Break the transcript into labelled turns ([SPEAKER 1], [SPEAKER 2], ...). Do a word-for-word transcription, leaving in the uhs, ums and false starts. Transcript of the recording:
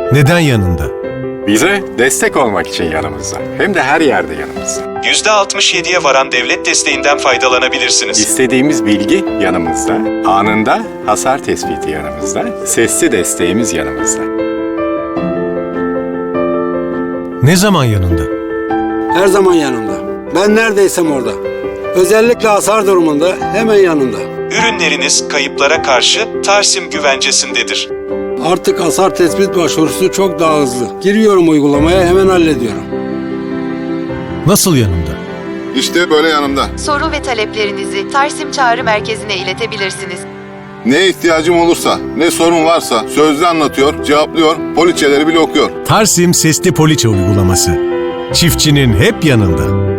[SPEAKER 1] Neden yanında?
[SPEAKER 2] Bize destek olmak için yanımızda. Hem de her yerde yanımızda.
[SPEAKER 3] yüzde altmış yediye varan devlet desteğinden faydalanabilirsiniz.
[SPEAKER 2] İstediğimiz bilgi yanımızda. Anında hasar tespiti yanımızda. Sesli desteğimiz yanımızda.
[SPEAKER 1] Ne zaman yanında?
[SPEAKER 4] Her zaman yanımda. Ben neredeysem orada. Özellikle hasar durumunda hemen yanımda.
[SPEAKER 3] Ürünleriniz kayıplara karşı Tarsim güvencesindedir.
[SPEAKER 4] Artık hasar tespit başvurusu çok daha hızlı. Giriyorum uygulamaya, hemen hallediyorum.
[SPEAKER 1] Nasıl yanında?
[SPEAKER 5] İşte böyle yanımda.
[SPEAKER 6] Soru ve taleplerinizi Tarsim Çağrı Merkezi'ne iletebilirsiniz.
[SPEAKER 5] Ne ihtiyacım olursa, ne sorun varsa sözlü anlatıyor, cevaplıyor, poliçeleri bile okuyor.
[SPEAKER 1] Tarsim Sesli Poliçe uygulaması. Çiftçinin hep yanında.